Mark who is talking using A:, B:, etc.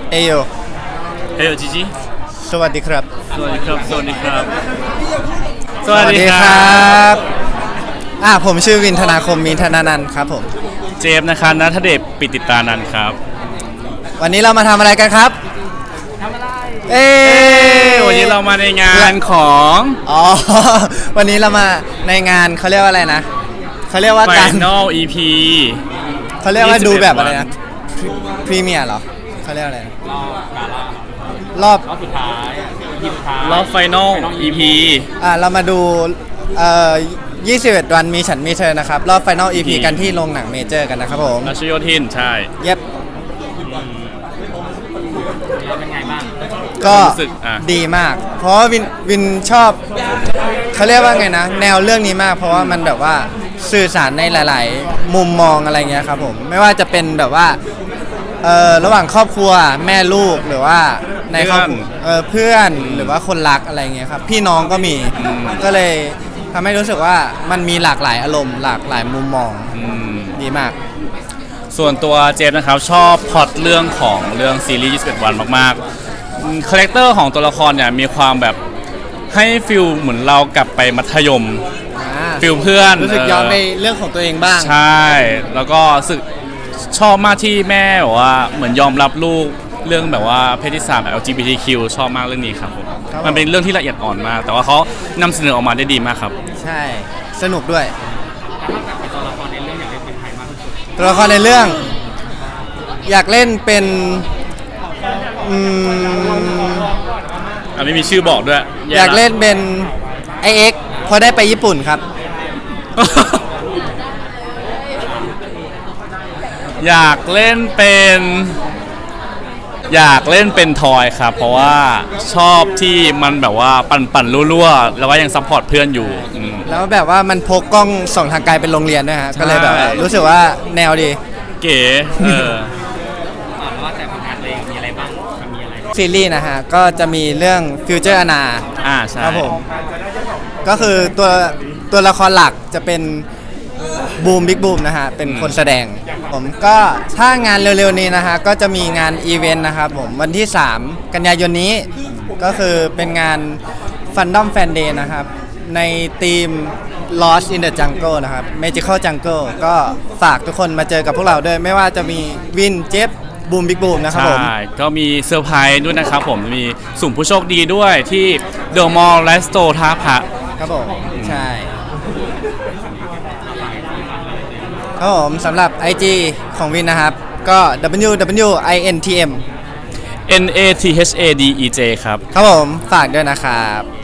A: เอโย
B: เฮ้ยจีจี
A: สวัสดีครับ
B: สวัสดีครับสวัสดีครับ
A: สวัสดีครับผมชื่อวินธนาคมมินธนานันท์ครับผม
B: เจฟนะครับณัฐเดชปิติตานันท์ครับ
A: วันนี้เรามาทำอะไรกันครับ
B: ทำอะไรวันนี้เรามาในงานของ
A: วันนี้เรามาในงานเขาเรียกว่าอะไรนะเขาเรียกว่าการ
B: Final EP
A: เขาเรียกว่าดูแบบอะไรนะพรีเมียร์เหรอเขาเรียกอะไรนะรอบ
B: สุดท้ายรอบ Final EP
A: เรามาดู21 วันมีฉันมีเธอนะครับรอบ Final EP กันที่โรงหนังเมเจอร์กันนะครับผม
B: รัชโยธินใช่
A: เย็บ
B: เป็นไงบ้าง
A: ก็ดีมากเพราะว่าวินชอบเขาเรียกว่าไงนะแนวเรื่องนี้มากเพราะว่ามันแบบว่าสื่อสารในหลายๆมุมมองอะไรเงี้ยครับผมไม่ว่าจะเป็นแบบว่าระหว่างครอบครัวแม่ลูกหรือว่าในครอบครัวเพื่อนหรือว่าคนรักอะไรเงี้ยครับพี่น้องก็มีก็เลยทำให้รู้สึกว่ามันมีหลากหลายอารมณ์หลากหลายมุมมองดีมาก
B: ส่วนตัวเจฟนะครับชอบพล็อตเรื่องของเรื่องซีรีส์21 วันมากๆคาแรคเตอร์ของตัวละครเนี่ยมีความแบบให้ฟิลเหมือนเรากลับไปมัธยมฟิลเพื่อน
A: รู้สึกย้อนไปเรื่องของตัวเองบ้าง
B: ใช่แล้วก็รู้สึกชอบมากที่แม่แบบว่าเหมือนยอมรับลูกเรื่องแบบว่าเพศที่3 LGBTQ ชอบมากเรื่องนี้ครับผมมันเป็นเรื่องที่ละเอียดอ่อนมากแต่ว่าเขานำเสนอออกมาได้ดีมากครับ
A: ใช่สนุกด้วยตัวละครในเรื่องอยากเล่นเป็นใครมากที่สุดตัวละครในเรื่องอยากเล่นเป็น
B: ไม่มีชื่อบอกด้วย
A: อยากเล่นเป็นไอเอ็กพอได้ไปญี่ปุ่นครับ
B: อยากเล่นเป็นทอยครับเพราะว่าชอบที่มันแบบว่าปั่นรั่วๆแล้วก็ยังซัพพอร์ตเพื่อนอยู่
A: แล้วแบบว่ามันพกกล้องส่องทางไกลเป็นโรงเรียนด้วยฮะก็เลยแบบรู้สึกว่าแนวดี
B: เก๋
C: ว่าแต่ผลงานตัวเองมีอะไรบ้างมีอะไร
A: ซีรีส์นะฮะก็จะมีเรื่องฟิวเจอร์อนา
B: ใช่
A: ครับผมก็คือตัวละครหลักจะเป็นบูมบิ๊กบูมนะฮะเป็นคนแสดงผมก็ถ้างานเร็วๆนี้นะฮะก็จะมีงานอีเวนต์นะครับผมวันที่3 กันยายนนี้ก็คือเป็นงาน Fandom Fan Day นะครับในทีม Lost in the Jungle นะครับ Magical Jungle ก็ฝากทุกคนมาเจอกับพวกเราด้วยไม่ว่าจะมีวินเจฟบูมบิ๊กบูมนะครับผม
B: ใช่ก็มีเซอร์ไพรส์ด้วยนะครับผมมีสุ่มผู้โชคดีด้วยที่เดอะมอลล์ไลฟ์สโตร์ท่าพระ
A: ครับผมใช่ครับผมสำหรับ IG ของวินนะครับก็ www.intm
B: NATHADEJ ครับ
A: ครับผมฝากด้วยนะครับ